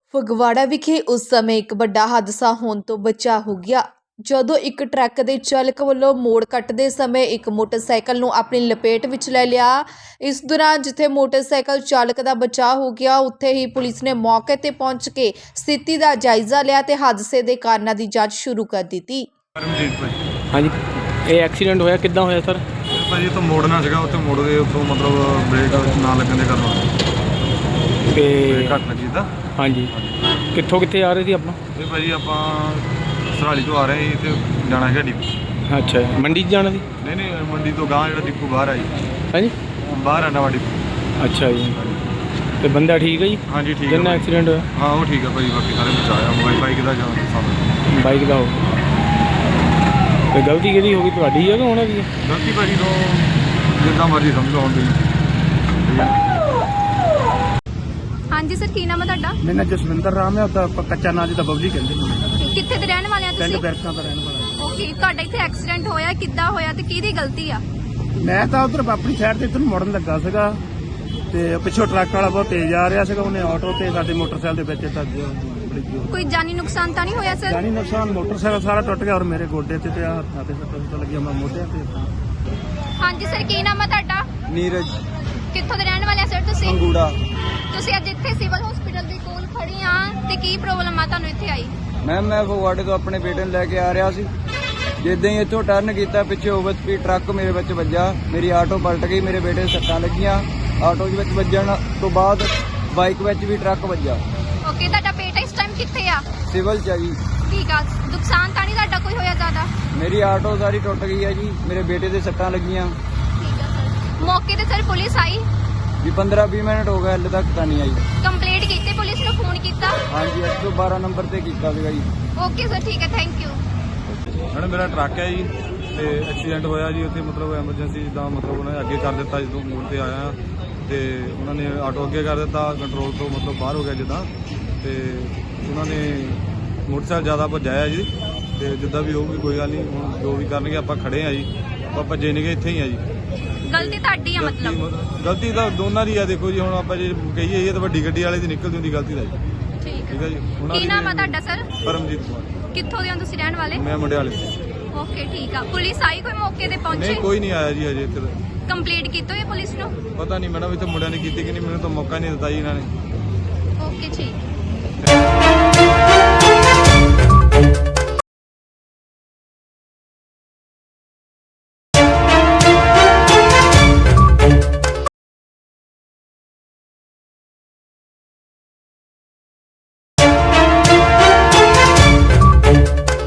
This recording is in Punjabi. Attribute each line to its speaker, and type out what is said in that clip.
Speaker 1: ਫਗਵਾੜਾ ਵਿਖੇ ਉਸ ਸਮੇਂ ਇੱਕ ਵੱਡਾ ਹਾਦਸਾ ਹੋਣ ਤੋਂ ਬਚਾ ਹੋ ਗਿਆ ਜਦੋਂ ਇੱਕ ਟਰੱਕ ਦੇ ਚਾਲਕ ਵੱਲੋਂ ਮੋੜ ਕੱਟਦੇ ਸਮੇਂ ਇੱਕ ਮੋਟਰਸਾਈਕਲ ਨੂੰ ਆਪਣੀ ਲਪੇਟ ਵਿੱਚ ਲੈ ਲਿਆ। ਇਸ ਦੌਰਾਨ ਜਿੱਥੇ ਮੋਟਰਸਾਈਕਲ ਚਾਲਕ ਦਾ ਬਚਾਅ ਹੋ ਗਿਆ, ਉੱਥੇ ਹੀ ਪੁਲਿਸ ਨੇ ਮੌਕੇ ਤੇ ਪਹੁੰਚ ਕੇ ਸਥਿਤੀ ਦਾ ਜਾਇਜ਼ਾ ਲਿਆ ਤੇ ਹਾਦਸੇ ਦੇ ਕਾਰਨਾਂ ਦੀ ਜਾਂਚ ਸ਼ੁਰੂ ਕਰ ਦਿੱਤੀ।
Speaker 2: ਹਾਂਜੀ, ਇਹ ਐਕਸੀਡੈਂਟ ਹੋਇਆ ਕਿੱਦਾਂ ਹੋਇਆ ਸਰ?
Speaker 3: ਭਾਜੀ ਤੋਂ ਮੋੜਨਾ ਸੀਗਾ, ਉੱਥੇ ਮੋੜ ਦੇ ਉੱਤੋਂ ਮਤਲਬ ਬ੍ਰੇਕ ਨਾ ਲੱਗਣ ਦੇ ਕਾਰਨ
Speaker 2: ਤੇ
Speaker 3: ਘੱਟ ਲੱਗੀ ਤਾਂ।
Speaker 2: ਹਾਂਜੀ, ਕਿੱਥੇ ਆ ਰਹੇ ਸੀ ਆਪਣਾ?
Speaker 3: ਇਹ ਭਾਜੀ ਆਪਾਂ ਸਰਾਲੀ ਤੋਂ ਆ ਰਹੇ ਸੀ ਤੇ ਜਾਣਾ ਹੈਗਾ ਡਿਪੂ।
Speaker 2: ਅੱਛਾ, ਮੰਡੀ 'ਚ ਜਾਣਾ ਸੀ?
Speaker 3: ਨਹੀਂ ਮੰਡੀ ਤੋਂ ਗਾਂ ਜਿਹੜਾ ਡਿਪੂ ਬਾਹਰ ਆਈ।
Speaker 2: ਹਾਂਜੀ,
Speaker 3: ਬਾਹਰ ਆ ਨਵਾਂ ਡਿਪੂ।
Speaker 2: ਅੱਛਾ ਜੀ, ਤੇ ਬੰਦਾ ਠੀਕ ਹੈ ਜੀ?
Speaker 3: ਹਾਂਜੀ ਠੀਕ ਹੈ।
Speaker 2: ਕਿੰਨਾ ਐਕਸੀਡੈਂਟ ਹੋਇਆ?
Speaker 3: ਹਾਂ ਉਹ ਠੀਕ ਹੈ ਭਾਜੀ, ਬਾਕੀ ਸਾਰੇ ਬਚਾਇਆ। ਬਾਈਕ ਦਾ ਜਾਂ
Speaker 2: ਬਾਈਕ ਦਾ ਹੋ ਗਿਆ। ਤੇ ਗਲਤੀ ਕਿਹਦੀ ਹੋ ਗਈ, ਤੁਹਾਡੀ ਹੈ ਕਿ ਉਹਨਾਂ ਦੀ ਹੈ?
Speaker 3: ਗਲਤੀ ਭਾਜੀ ਤੋਂ ਜਿੱਦਾਂ ਮਰਜ਼ੀ ਸਮਝ ਲਓ ਹੁਣ ਤੁਸੀਂ।
Speaker 4: ਹਾਂਜੀ ਸਰ, ਕੀ ਨਾਮ ਹੈ ਤੁਹਾਡਾ?
Speaker 5: ਮੇਰਾ ਨਾਮ ਜਸਵਿੰਦਰ ਰਾਮ ਹੈ, ਤਾਂ ਕੱਚਾ ਨਾਂ ਜਿੱਦਾਂ ਬਬਲੀ ਕਹਿੰਦੇ ਨੇ।
Speaker 4: ਕਿੱਥੇ ਦੇ ਰਹਿਣ ਵਾਲੇ ਆ
Speaker 5: ਪਿੰਡ
Speaker 4: ਤੁਸੀਂ?
Speaker 5: ਬੈਰਕਾਂ ਦਾ ਰਹਿਣ ਵਾਲਾ।
Speaker 4: ਓਕੇ, ਤੁਹਾਡਾ ਇੱਥੇ ਐਕਸੀਡੈਂਟ ਹੋਇਆ, ਕਿੱਦਾਂ ਹੋਇਆ ਤੇ ਕਿਹਦੀ ਗਲਤੀ ਆ?
Speaker 5: ਮੈਂ ਤਾਂ ਉਧਰ ਆਪਣੀ ਸਾਈਡ ਤੇ ਇੱਧਰ ਨੂੰ ਮੁੜਨ ਲੱਗਾ ਸੀਗਾ ਤੇ ਪਿੱਛੋਂ ਟਰੱਕ ਵਾਲਾ ਬਹੁਤ ਤੇਜ਼ ਆ ਰਿਹਾ ਸੀਗਾ। ਉਹਨੇ ਆਟੋ ਤੇ ਸਾਡੇ ਮੋਟਰਸਾਈਕਲ ਦੇ ਵਿੱਚ ਤੱਕ
Speaker 4: ਕੋਈ ਜਾਨੀ ਨੁਕਸਾਨ ਤਾਂ ਨਹੀਂ ਹੋਇਆ ਸਰ?
Speaker 5: ਜਾਨੀ ਨੁਕਸਾਨ, ਮੋਟਰਸਾਈਕਲ ਸਾਰਾ ਟੁੱਟ ਗਿਆ ਔਰ ਮੇਰੇ ਗੋਡੇ ਤੇ ਆ ਹੱਥਾਂ ਤੇ ਸੱਟਾਂ ਲੱਗੀਆਂ, ਮੈਂ ਮੋਢਿਆਂ ਤੇ।
Speaker 4: ਹਾਂਜੀ ਸਰ, ਕੀ ਨਾਮ ਹੈ ਤੁਹਾਡਾ?
Speaker 6: ਨੀਰਜ
Speaker 4: ਕਿੱਥੋਂ ਦੇ ਰਹਿਣ ਵਾਲੇ ਆ ਸਰ ਤੁਸੀਂ?
Speaker 6: ਅੰਗੂੜਾ।
Speaker 4: ਤੁਸੀਂ ਅੱਜ ਇੱਥੇ ਸਿਵਲ ਹਸਪੀਟਲ ਦੇ ਕੋਲ ਖੜੀ ਆ ਤੇ ਕੀ ਪ੍ਰੋਬਲਮ ਆ ਤੁਹਾਨੂੰ ਇੱਥੇ ਆਈ?
Speaker 6: ਮੈਂ ਫਗਵਾੜੇ ਤੋਂ ਆਪਣੇ ਬੇਟੇ ਨੂੰ ਲੈ ਕੇ ਆ ਰਿਹਾ ਸੀ। ਜਿੱਦਾਂ ਹੀ ਇੱਥੋਂ ਟਰਨ ਕੀਤਾ, ਪਿੱਛੇ ਓਵਰ ਸਪੀਡ ਟਰੱਕ ਮੇਰੇ ਵਿੱਚ ਵੱਜਾ। ਮੇਰੀ ਆਟੋ ਪਲਟ ਗਈ, ਮੇਰੇ ਬੇਟੇ ਦੇ ਸੱਟਾਂ ਲੱਗੀਆਂ। ਆਟੋ ਦੇ ਵਿੱਚ ਵੱਜਣ ਤੋਂ ਬਾਅਦ ਬਾਈਕ ਵਿੱਚ ਵੀ ਟਰੱਕ ਵੱਜਾ।
Speaker 4: ਓਕੇ, ਤੁਹਾਡਾ ਬੇਟਾ ਇਸ ਟਾਈਮ ਕਿੱਥੇ ਆ?
Speaker 6: ਸਿਵਲ ਚ ਆ ਜੀ।
Speaker 4: ਠੀਕ ਆ, ਨੁਕਸਾਨ ਤਾਂ ਨਹੀਂ ਤੁਹਾਡਾ ਕੋਈ ਹੋਇਆ ਜ਼ਿਆਦਾ?
Speaker 6: ਮੇਰੀ ਆਟੋ ਸਾਰੀ ਟੁੱਟ ਗਈ ਹੈ ਜੀ, ਮੇਰੇ ਬੇਟੇ ਦੇ ਸੱਟਾਂ ਲੱਗੀਆਂ।
Speaker 4: ਠੀਕ ਆ ਸਰ, ਮੌਕੇ ਤੇ ਸਰ ਪੁਲਿਸ ਆਈ?
Speaker 6: ਵੀ 15-20 ਮਿੰਟ ਹੋ ਗਏ, ਹਲੇ ਤੱਕ ਤਾਂ ਨਹੀਂ ਆਈ।
Speaker 4: ਕੰਪਲੇਂਟ ਕੀਤੀ, ਪੁਲਿਸ ਨੂੰ ਫੋਨ ਕੀਤਾ?
Speaker 6: ਹਾਂਜੀ, 112 ਨੰਬਰ ਤੇ ਕੀਤਾ ਸੀਗਾ ਜੀ।
Speaker 4: ਓਕੇ ਸਰ, ਠੀਕ ਹੈ, ਥੈਂਕ ਯੂ।
Speaker 3: ਮੈਡਮ ਮੇਰਾ ਟਰੱਕ ਹੈ ਜੀ ਤੇ ਐਕਸੀਡੈਂਟ ਹੋਇਆ ਜੀ ਉੱਥੇ, ਮਤਲਬ ਐਮਰਜੈਂਸੀ ਜਿੱਦਾਂ ਮਤਲਬ ਉਹਨਾਂ ਨੇ ਅੱਗੇ ਕਰ ਦਿੱਤਾ। ਜਦੋਂ ਮੋੜ ਤੇ ਆਇਆ ਤੇ ਉਹਨਾਂ ਨੇ ਆਟੋ ਅੱਗੇ ਕਰ ਦਿੱਤਾ, ਕੰਟਰੋਲ ਤੋਂ ਮਤਲਬ ਬਾਹਰ ਹੋ ਗਿਆ ਜਿੱਦਾਂ, ਤੇ ਉਹਨਾਂ ਨੇ ਮੋਟਰਸਾਈਕਲ ਜ਼ਿਆਦਾ ਭਜਾਇਆ ਜੀ। ਤੇ ਜਿੱਦਾਂ ਵੀ ਹੋਊਗੀ ਕੋਈ ਗੱਲ ਨਹੀਂ, ਹੁਣ ਜੋ ਵੀ ਕਰਨਗੇ ਆਪਾਂ ਖੜੇ ਆ ਜੀ, ਆਪਾਂ ਭੱਜੇ ਨਹੀਂ ਗਏ, ਇੱਥੇ ਹੀ ਆ ਜੀ।
Speaker 4: ਗਲਤੀ ਤੁਹਾਡੀ ਆ ਮਤਲਬ?
Speaker 3: ਗਲਤੀ ਤਾਂ ਦੋਨਾਂ ਦੀ ਆ। ਦੇਖੋ ਜੀ, ਹੁਣ ਆਪਾਂ ਜੇ ਕਹੀਏ ਇਹ ਤਾਂ ਵੱਡੀ ਗੱਡੀ ਵਾਲੇ ਦੀ ਨਿਕਲਦੀ ਹੁੰਦੀ ਗਲਤੀ ਦਾ ਜੀ।
Speaker 4: ਠੀਕ
Speaker 3: ਹੈ ਜੀ।
Speaker 4: ਕੀ ਨਾਮ ਆ ਤੁਹਾਡਾ ਸਰ?
Speaker 3: ਪਰਮਜੀਤ ਕੁਮਾਰ।
Speaker 4: ਕਿੱਥੋਂ ਦੇ ਹੋ ਤੁਸੀਂ ਰਹਿਣ ਵਾਲੇ?
Speaker 3: ਮੈਂ ਮੰਡਿਆਲੇ।
Speaker 4: ਓਕੇ, ਠੀਕ ਆ। ਪੁਲਿਸ ਆਈ ਕੋਈ ਮੌਕੇ ਤੇ ਪਹੁੰਚੀ?
Speaker 3: ਨਹੀਂ, ਕੋਈ ਨਹੀਂ ਆਇਆ ਜੀ ਹਜੇ ਇੱਥੇ ਤਾਂ।
Speaker 4: ਕੰਪਲੀਟ ਕੀਤੀ ਹੋਈ ਪੁਲਿਸ ਨੂੰ?
Speaker 3: ਪਤਾ ਨਹੀਂ ਮੈਡਮ, ਇੱਥੇ ਮੁੰਡਿਆਂ ਨੇ ਕੀਤੀ ਕਿ ਨਹੀਂ, ਮੈਨੂੰ ਤਾਂ ਮੌਕਾ ਨਹੀਂ ਦਿੱਤਾ ਜੀ ਇਹਨਾਂ ਨੇ।
Speaker 4: ਓਕੇ, ਠੀਕ।